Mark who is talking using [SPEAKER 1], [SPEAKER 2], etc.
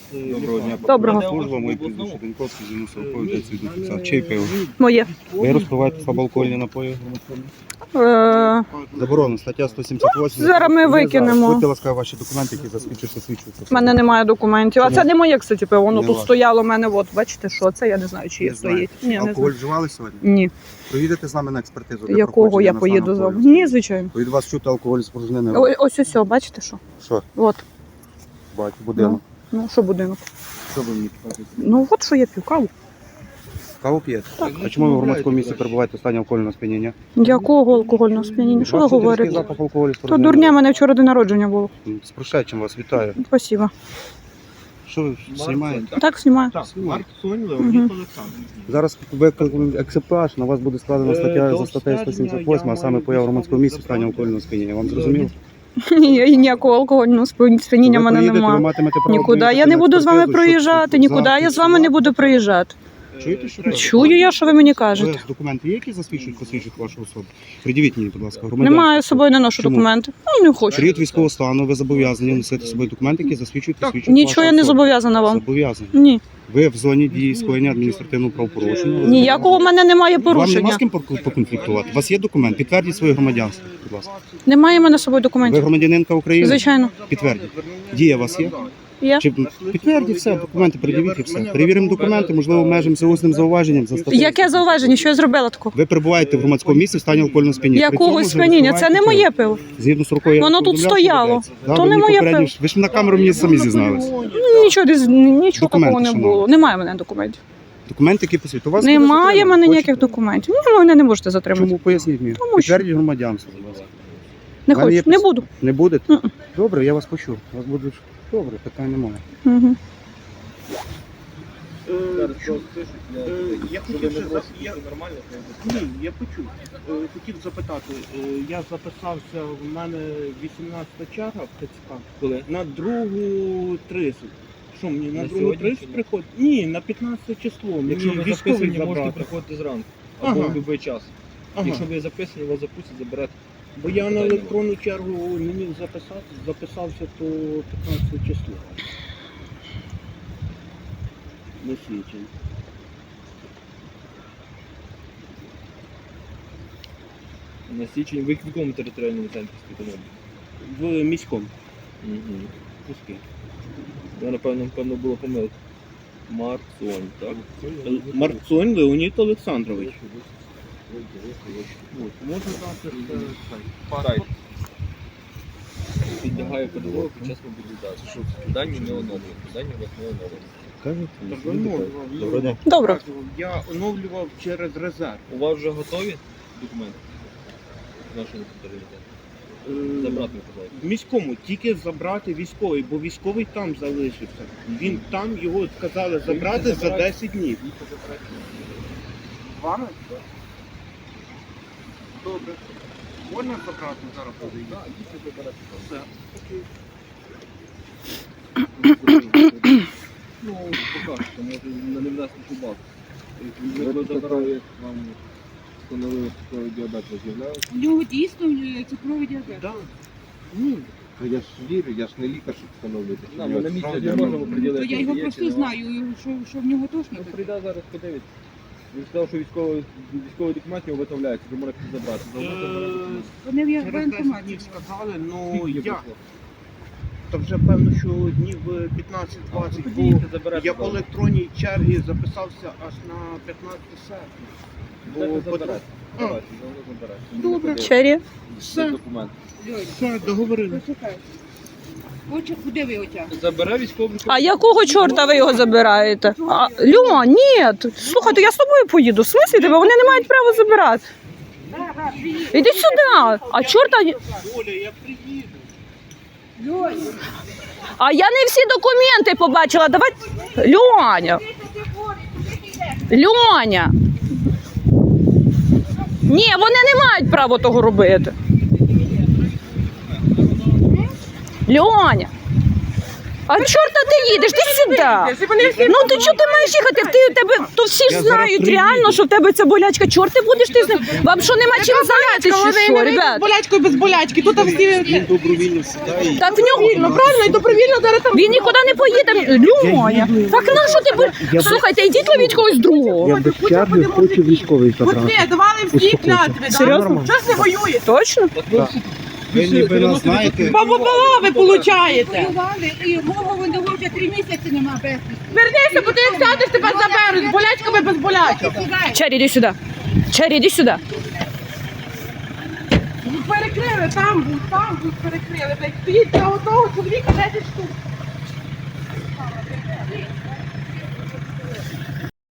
[SPEAKER 1] Доброго дня.
[SPEAKER 2] Доброго.
[SPEAKER 1] Служба, моє прізвище Деньковський, зі 40-50. Чий пиво?
[SPEAKER 2] Моє.
[SPEAKER 1] Ви розпиваєте слабоалкогольні напої? Заборонено, стаття 178.
[SPEAKER 2] Зараз ми викинемо.
[SPEAKER 1] Будьте ласка, ваші документи, які засвідчуються.
[SPEAKER 2] У мене немає документів. А це не моє, кстати, пиво. Воно
[SPEAKER 1] Не
[SPEAKER 2] тут
[SPEAKER 1] ваше.
[SPEAKER 2] стояло в мене. От, бачите, що це? Я не знаю, чи є
[SPEAKER 1] Не знаю.
[SPEAKER 2] стоїть. Ні, не
[SPEAKER 1] Алкоголь
[SPEAKER 2] знаю.
[SPEAKER 1] вживали сьогодні?
[SPEAKER 2] Ні.
[SPEAKER 1] Поїдете з нами на експертизу? для
[SPEAKER 2] Якого
[SPEAKER 1] проходження
[SPEAKER 2] я
[SPEAKER 1] на
[SPEAKER 2] поїду з
[SPEAKER 1] стан
[SPEAKER 2] вами?
[SPEAKER 1] алкоголю?
[SPEAKER 2] Ні, звичайно.
[SPEAKER 1] Від вас чути алкоголь спорожнений.
[SPEAKER 2] Ось, бачите що?
[SPEAKER 1] Що?
[SPEAKER 2] От.
[SPEAKER 1] Бачу, будинок.
[SPEAKER 2] Ну, що будинок?
[SPEAKER 1] Що ви мені кажете?
[SPEAKER 2] Ну, от що я п'ю, каву.
[SPEAKER 1] Каву п'єте? А чому ви в громадському місці перебуваєте в стані алкогольного сп'яніння?
[SPEAKER 2] Якого алкогольного сп'яніння? Що ви
[SPEAKER 1] Бачите, різкий
[SPEAKER 2] говорите?
[SPEAKER 1] запах алкоголю
[SPEAKER 2] То
[SPEAKER 1] спорожнений.
[SPEAKER 2] дурня, мене вчора день народження було.
[SPEAKER 1] З прошедшим вас вітаю.
[SPEAKER 2] Спасибо.
[SPEAKER 1] Що ви знімаєте?
[SPEAKER 2] Так, знімаю.
[SPEAKER 1] Знімаю.
[SPEAKER 2] Мгм.
[SPEAKER 1] Зараз викликаємо екземпляж, на вас буде складена стаття за статтею 178, а саме поява в громадському місці в стані алкогольного сп'яніння. Вам зрозуміло?
[SPEAKER 2] Ні, ніякого алкогольного сп'яніння в мене
[SPEAKER 1] Ви
[SPEAKER 2] немає.
[SPEAKER 1] матимете право
[SPEAKER 2] Нікуди.
[SPEAKER 1] приїхати
[SPEAKER 2] Я не
[SPEAKER 1] на
[SPEAKER 2] буду з вами
[SPEAKER 1] експертизу,
[SPEAKER 2] проїжджати,
[SPEAKER 1] щоб
[SPEAKER 2] нікуди. Я з вами не буду проїжджати.
[SPEAKER 1] Чуєте, що кажуть?
[SPEAKER 2] Чую я, що ви мені кажете.
[SPEAKER 1] Ви документи є, які посвідчують вашу особу? Придивіть мені, будь ласка,
[SPEAKER 2] Немає з собою, не ношу
[SPEAKER 1] Чому?
[SPEAKER 2] документи. Ну, не хочу.
[SPEAKER 1] Період військового стану, ви зобов'язані носити з собою документи, які засвідчують
[SPEAKER 2] Нічого я не зобов'язана вам.
[SPEAKER 1] Зобов'язані.
[SPEAKER 2] Ні.
[SPEAKER 1] Ви в зоні дії скоєння адміністративного правопорушення.
[SPEAKER 2] Ніякого в мене немає
[SPEAKER 1] Вам нема з
[SPEAKER 2] порушення.
[SPEAKER 1] ким поконфліктувати? У вас є документ? Підтвердіть своє громадянство, будь ласка.
[SPEAKER 2] Немає в мене з собою
[SPEAKER 1] Ви
[SPEAKER 2] документів.
[SPEAKER 1] громадянинка України?
[SPEAKER 2] Звичайно.
[SPEAKER 1] Підтвердіть. Дія у вас є?
[SPEAKER 2] Є.
[SPEAKER 1] Чи підтвердіть все, документи передивіть і все. Перевіримо документи, можливо, обмежимося усним зауваженням за статтею.
[SPEAKER 2] Яке зауваження? Що я зробила такого?
[SPEAKER 1] Ви перебуваєте в громадському місці в стані алкогольного сп'яніння. При
[SPEAKER 2] Якого
[SPEAKER 1] цьому ви
[SPEAKER 2] сп'яніння? Це не моє
[SPEAKER 1] розпиваєте
[SPEAKER 2] пиво.
[SPEAKER 1] Згідно з рукою.
[SPEAKER 2] Воно тут стояло. То не моє пиво.
[SPEAKER 1] Ви ж на камеру мені самі зізналися.
[SPEAKER 2] Нічого
[SPEAKER 1] Документи,
[SPEAKER 2] такого не
[SPEAKER 1] шановні.
[SPEAKER 2] було. Немає в мене документів.
[SPEAKER 1] Документи, які посвідчують. У вас
[SPEAKER 2] Немає
[SPEAKER 1] буде
[SPEAKER 2] в мене
[SPEAKER 1] затримано.
[SPEAKER 2] ніяких документів. Ні, ви мене не можете затримати.
[SPEAKER 1] Чому? Поясніть мені.
[SPEAKER 2] Тому що-
[SPEAKER 1] Підтвердіть громадянство, будь ласка.
[SPEAKER 2] Не
[SPEAKER 1] в мене є
[SPEAKER 2] хочу. Не буду.
[SPEAKER 1] Не будете?
[SPEAKER 2] Мгм.
[SPEAKER 1] Добре, я вас почув. Вас буде добре, питань немає.
[SPEAKER 2] Угу.
[SPEAKER 3] Я хотів я почув. Хотів запитати. Я записався, в мене 18-та черга в ТЦК.
[SPEAKER 4] Коли?
[SPEAKER 3] На 2:30. Що мені на
[SPEAKER 4] На
[SPEAKER 3] 2:30
[SPEAKER 4] сьогодні чи ні?
[SPEAKER 3] приходить? Ні, на 15 число.
[SPEAKER 4] Якщо
[SPEAKER 3] Мені
[SPEAKER 4] ви
[SPEAKER 3] військовий
[SPEAKER 4] записані, можете
[SPEAKER 3] забрати.
[SPEAKER 4] приходити зранку. Або
[SPEAKER 3] Ага.
[SPEAKER 4] в будь-який час.
[SPEAKER 3] Ага.
[SPEAKER 4] Якщо ви записані, вас запустять, заберете.
[SPEAKER 3] Бо я на електронну чергу не міг записався то 15 число. Не свідчень.
[SPEAKER 4] На січень ви в якому територіальному центрі спітаєте?
[SPEAKER 3] В міському.
[SPEAKER 4] Угу.
[SPEAKER 3] Пуски.
[SPEAKER 4] Я, напевно, була помилка. Марцонь, так?
[SPEAKER 3] Марцонь Леонід Олександрович.
[SPEAKER 4] От, можна дати сайт. Підлягає ПДО під час мобілізації. Дані не оновлені. Дані у вас не оновлені.
[SPEAKER 1] Кажуть? Доброго дня.
[SPEAKER 2] Добре.
[SPEAKER 3] Я оновлював через резерв.
[SPEAKER 4] У вас вже готові документи? Нашого територіалітету? Забрати не казали.
[SPEAKER 3] В міському тільки забрати військовий, бо військовий там залишився. Він там, його сказали забрати за 10 днів. Вами? Добре. Можна забрати зараз подивитися?
[SPEAKER 4] Так, дійсно забирати.
[SPEAKER 3] Все.
[SPEAKER 4] Ну, покажете, може не внести шубак. Ви забрали, як вам встановили цукровий діабет, ви з'являєте?
[SPEAKER 5] У нього дійсно цукровий діабет.
[SPEAKER 3] Да. Ні.
[SPEAKER 6] Я ж вірю, я ж не лікар, щоб встановити.
[SPEAKER 4] Нам на місці не можемо
[SPEAKER 5] То
[SPEAKER 4] приділити.
[SPEAKER 5] я його просто знаю, що в нього точно
[SPEAKER 4] Ну,
[SPEAKER 5] таке.
[SPEAKER 4] прийде зараз, подивиться. Він сказав, що військовий документ його виготовляється, ви можете забрати.
[SPEAKER 5] Вони в
[SPEAKER 3] Через 10
[SPEAKER 5] воєнкоматі.
[SPEAKER 3] днів сказали, ну
[SPEAKER 4] Скільки
[SPEAKER 3] я.
[SPEAKER 4] пройшло?
[SPEAKER 3] То вже певно, що днів 15-20,
[SPEAKER 4] Тоді
[SPEAKER 3] бо
[SPEAKER 4] їдьте, заберете.
[SPEAKER 3] я по електронній черзі записався аж на 15 серпня.
[SPEAKER 4] Бо
[SPEAKER 3] Бо
[SPEAKER 4] заберете.
[SPEAKER 3] А.
[SPEAKER 4] Давайте, заберете.
[SPEAKER 3] Добре.
[SPEAKER 2] Чері.
[SPEAKER 3] Все,
[SPEAKER 4] Документ.
[SPEAKER 3] все, договорились.
[SPEAKER 5] Почекай. Куди ви отягнете?
[SPEAKER 4] Забере військовий
[SPEAKER 2] А якого чорта ви його забираєте? Льо, ні. Слухайте, я з тобою поїду. В смислі тебе? Вони не мають права забирати. Іди сюди. А чорта...
[SPEAKER 3] Оля, я приїду.
[SPEAKER 2] А я не всі документи побачила. Давай... Льоня. Льоня. Ні, вони не мають права того робити. Льоня. А чорта ти їдеш? Ти сюди. Ну ти чого ти маєш їхати? Ти тебе то всі ж
[SPEAKER 1] Я
[SPEAKER 2] знають
[SPEAKER 1] зараз
[SPEAKER 2] реально,
[SPEAKER 1] приїду.
[SPEAKER 2] що в тебе ця болячка. Чорт ти будеш ти з ним? Вам що нема чим зайнятися, чи що, ребят?
[SPEAKER 7] болячкою без болячки. Тут всі
[SPEAKER 1] Він добровільно сідає.
[SPEAKER 2] Так в нього
[SPEAKER 7] правильно і добровільно зараз там.
[SPEAKER 2] він нікуди не поїде. Люмоня. Так на що ти будеш? Слухайте, йдіть ловіть когось другого.
[SPEAKER 1] Я без черги хочу військовий забрати.
[SPEAKER 7] От давали всі клятви.
[SPEAKER 2] Серйозно?
[SPEAKER 7] Що ж не воює?
[SPEAKER 2] Точно?
[SPEAKER 1] Ви ніби нас знаєте.
[SPEAKER 7] Баба ви получаєте.
[SPEAKER 5] Воювали, і мого вони вже 3 місяці нема без.
[SPEAKER 7] Вернися, бо ти як сядеш, тебе заберуть. З болячками без болячок.
[SPEAKER 2] Чері, іди сюди. Чері, іди сюди.
[SPEAKER 7] Перекрили, там будь перекрили. Блядь, стоїть для одного чоловіка 10 штук.